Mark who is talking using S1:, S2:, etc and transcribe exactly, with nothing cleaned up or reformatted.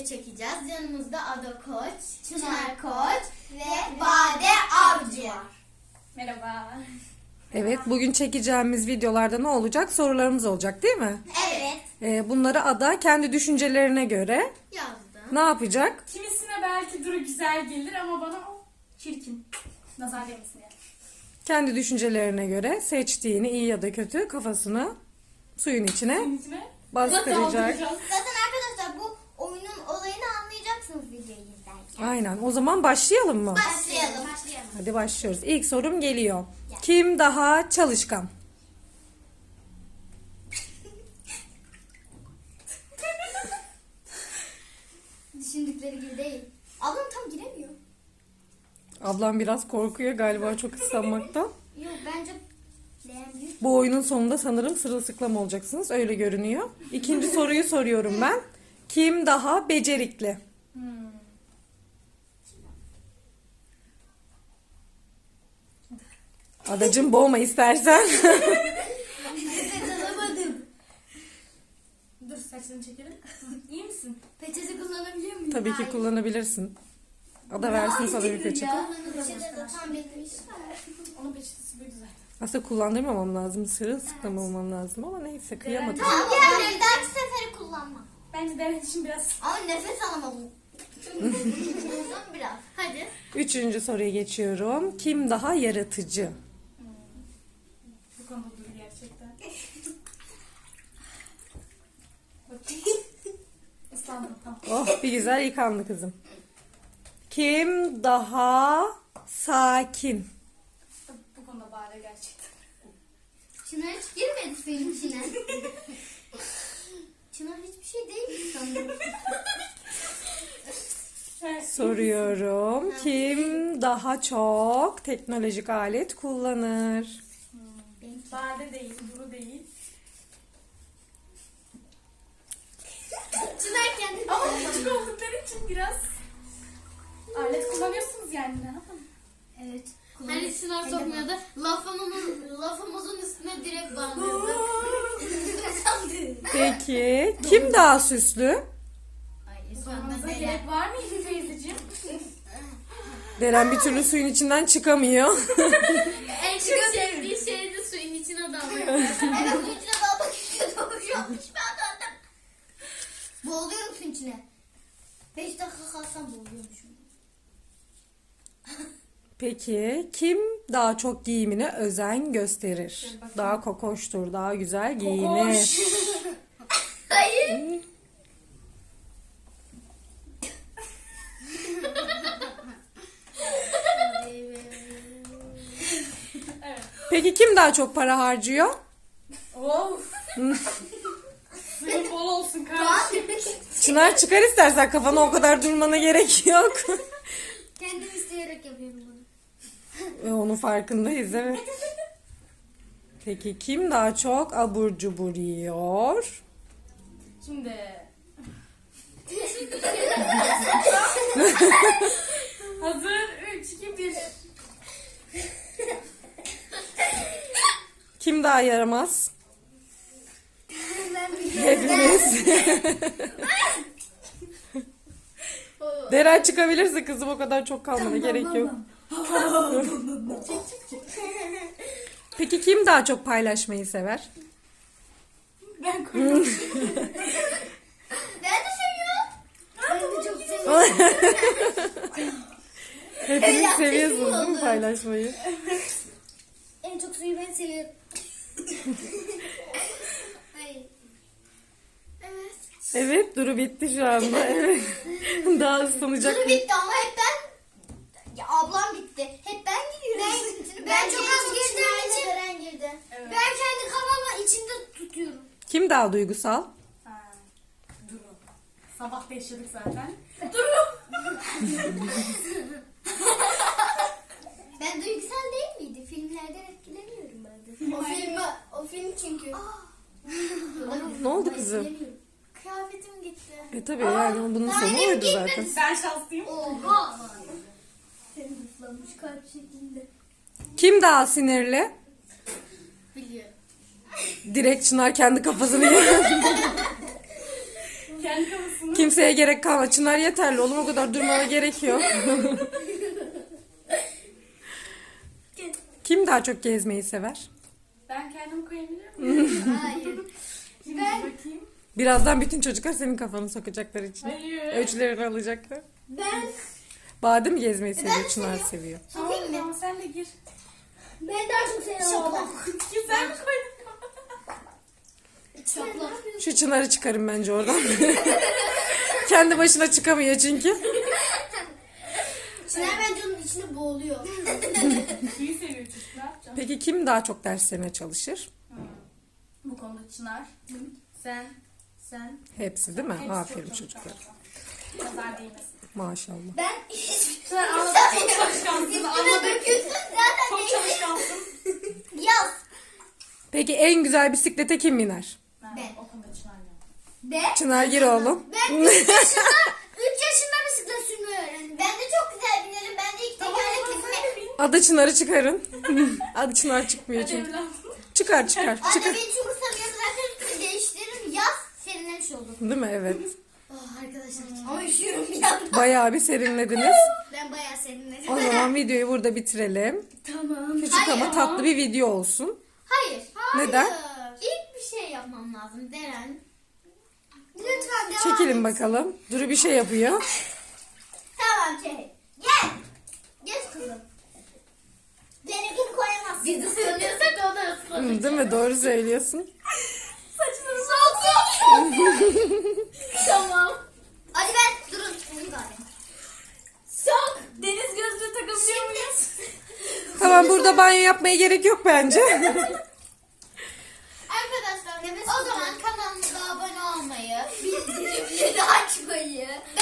S1: çekeceğiz. Yanımızda Ada Koç, Çınar Koç ve Bade Avcı var.
S2: Merhaba.
S3: Evet, bugün çekeceğimiz videolarda ne olacak? Sorularımız olacak değil mi?
S1: Evet.
S3: Ee, bunları Ada kendi düşüncelerine göre
S1: Yazdım.
S3: ne yapacak?
S2: Kimisine belki Duru güzel gelir ama bana o çirkin. Nazar değmesin yani.
S3: Kendi düşüncelerine göre seçtiğini iyi ya da kötü kafasını suyun içine
S2: Bunun içine
S3: bastıracak.
S2: daldıracağız.
S1: Zaten arkadaşlar bu oyunun olayını anlayacaksınız videoyu izlerken.
S3: Aynen. O zaman başlayalım mı?
S1: Başlayalım. Başlayalım.
S3: Hadi başlıyoruz. İlk sorum geliyor. Kim daha çalışkan?
S1: Düşündükleri gibi değil. Ablam tam giremiyor.
S3: Ablam biraz korkuyor galiba çok ıslanmaktan.
S1: Yok bence beğenmiyor.
S3: Bu oyunun sonunda sanırım sırılsıklam olacaksınız. Öyle görünüyor. İkinci soruyu soruyorum ben. Kim daha becerikli?
S2: Hmm.
S3: Adacığım boğma istersen.
S1: Peçete alamadım.
S2: Dur saçlarını çekelim. İyi misin?
S1: Peçete kullanabiliyor muyum?
S3: Tabii ki kullanabilirsin. Ada versin sana bir peçete.
S1: Peçete de tam bitmiş.
S2: Onun peçetesi buydu zaten.
S3: Aslında kullandırmamam lazım. Sırılsıklam olmam lazım ama neyse kıyamadım.
S1: Tamam diğerleri dahaki seferi kullanma.
S2: Bence Deren için biraz...
S1: Ama nefes alamadım. Uzun biraz. Hadi.
S3: Üçüncü soruya geçiyorum. Kim daha yaratıcı?
S2: Bu konuda Duru gerçekten. Bakayım. Islandım tamam.
S3: Oh bir güzel yıkandı kızım. Kim daha sakin?
S2: Bu konuda Bade gerçekten.
S1: Çınar hiç girmedi suyun içine. Çınar hiçbir şey değil sanırım.
S2: Evet.
S3: Soruyorum. Kim daha çok teknolojik alet kullanır?
S2: Bade değil, Duru değil.
S1: Çınar kendi
S2: Ama küçük oldukları için biraz alet kullanıyorsunuz yani ne yapalım?
S1: Evet. Hani Çınar sokmuyordu. Lafımın, lafımızın üstüne direkt bağlıyordu.
S3: Peki kim daha süslü?
S1: Ay,
S2: Sormanıza
S1: İsmail
S2: gerek var mıydı teyzeciğim?
S3: Deren bir türlü suyun içinden çıkamıyor.
S1: en çok sevdiği şeydi suyun içine dalmak. Evet suyun içine dalmak istiyordum. Şu an pişman oldum. Boğuluyorum suyun içine. Beş dakika kalsam boğuluyormuşum.
S3: Peki kim daha çok giyimine özen gösterir? Daha kokoştur, daha güzel giyinir.
S2: Kokoş.
S1: Hayır.
S2: Evet.
S3: Peki kim daha çok para harcıyor?
S2: Of. Suyun bol olsun kardeşim.
S3: Çınar çıkar istersen kafana o kadar durmana gerek yok.
S1: Kendim isteyerek yapıyorum bunu.
S3: E, Onun farkındayız evet. Peki kim daha çok abur cubur yiyor?
S2: Şimdi. Hazır. üç, iki, bir.
S3: Kim daha yaramaz?
S1: Ben biliyorum.
S3: Hepimiz. Deren çıkabilirsin kızım o kadar çok kalmana gerek yok. Peki kim daha çok paylaşmayı sever?
S2: Ben koydum.
S1: Ben de seviyorum. Ben de çok seviyorum.
S3: Hepiniz
S1: Evet,
S3: seviyorsunuz değil mi
S1: oldu.
S3: paylaşmayı?
S1: En çok suyu ben seviyorum. Hayır. Evet.
S3: Evet Duru bitti şu anda. Evet. Daha ıslanacak.
S1: Duru bitti ama hep ben... Ya ablam bitti. Hep ben gidiyorum. Ben, ben çok az girdiğim için... Deren girdi.
S2: Evet.
S1: Ben kendi kafamı içimde tutuyorum.
S3: Kim daha duygusal?
S2: Ha, Duru. Sabah da yaşadık zaten. Duru.
S1: Ben duygusal değil miydi? Filmlerden etkileniyorum ben de. O film, o film çünkü.
S3: Ne oldu kızım?
S1: Kıyafetim gitti.
S3: E tabii yani bunun
S1: Daha
S3: sonu
S1: benim
S3: oydu
S1: gitmedi.
S3: zaten.
S2: Ben şanslıyım.
S1: Oha. Senin ıslanmış kalp şeklinde.
S3: Kim daha sinirli?
S1: Biliyorum.
S3: Direkt Çınar kendi kafasını yiyor.
S2: Kendi kafasını.
S3: Kimseye gerek kalmadı. Çınar yeterli oğlum, o kadar durmana gerek yok. Kim daha çok gezmeyi sever?
S2: Ben kendim koyabilir miyim?
S1: Hayır.
S2: Şimdi
S1: Ben-
S2: bakayım.
S3: Birazdan bütün çocuklar senin kafanı sokacaklar içine.
S2: Hayır.
S3: Ölçülerini alacaklar.
S1: Ben
S3: Badem mi gezmeyi
S1: ben
S3: seviyor?
S1: de
S3: Çınar
S1: seviyorum.
S3: seviyor.
S2: Tamam,
S1: Sokayım mı?
S2: tamam sen de gir.
S1: Ben daha çok seviyorum.
S2: Güzel mi koydun?
S1: Şaplak.
S3: Şu Çınar'ı çıkarın bence oradan. Kendi başına çıkamıyor çünkü.
S1: Çınar bence onun içine boğuluyor.
S2: Suyu seviyor çocuk, ne yapacağım?
S3: Peki kim daha çok derslerine çalışır?
S2: Bu konuda Çınar. Sen. Sen.
S3: Hepsi değil mi?
S2: Hepsi
S3: Aferin
S2: çok
S3: çocuklar.
S2: çalışkan. Nazar değmesin.
S3: Maşallah.
S1: Ben hiç...
S2: Çınar anladım. Çok çalışkansın.
S1: Üstüne
S2: Anladım.
S1: dökülsün zaten
S2: Çok
S1: değil.
S2: çalışkansın.
S1: Yaz.
S3: Peki en güzel bisiklete kim biner?
S1: Ben.
S2: O konuda Çınar ya.
S1: Ben...
S3: Çınar gir oğlum.
S1: Ben üç yaşında, üç yaşında bisiklet sürmeyi öğrendim. Ben de çok güzel binerim. Ben de ilk tekerlek binme.
S3: Adı Çınar'ı çıkarın. Adı Çınar çıkmıyor
S2: Hadi
S3: çünkü.
S2: evladım.
S3: Çıkar çıkar.
S1: Anne
S3: Çıkar.
S1: beni çok ıslanıyor. Zaten üstümü değiştiririm. Yaz serinlemiş olur.
S3: Değil mi? Evet.
S1: Oh arkadaşlar. Ama üşüyorum bir yandan.
S3: Bayağı bir serinlediniz.
S1: Ben bayağı serinledim.
S3: O zaman videoyu burada bitirelim.
S1: Tamam.
S3: Küçük ama tatlı bir video olsun.
S1: Hayır.
S3: Neden?
S1: İlk bir şey yapmam lazım Deren. Lütfen devam
S3: Çekilin
S1: et.
S3: bakalım. Duru bir şey yapıyor.
S1: Tamam çek. Gel. Geç kızım. Benimkini koyamazsın. Biz ıslanıyorsak o da ıslanır.
S3: Hı, değil mi? Doğru söylüyorsun.
S1: Saçını sok. Tamam. Hadi ben durun. Bunu da alayım. Sok.
S2: Deniz gözlüğü takabiliyor muyuz?
S3: Tamam, burada banyo yapmaya gerek yok bence.
S1: Arkadaşlar o zaman kanalımıza abone olmayı, bildirimleri açmayı,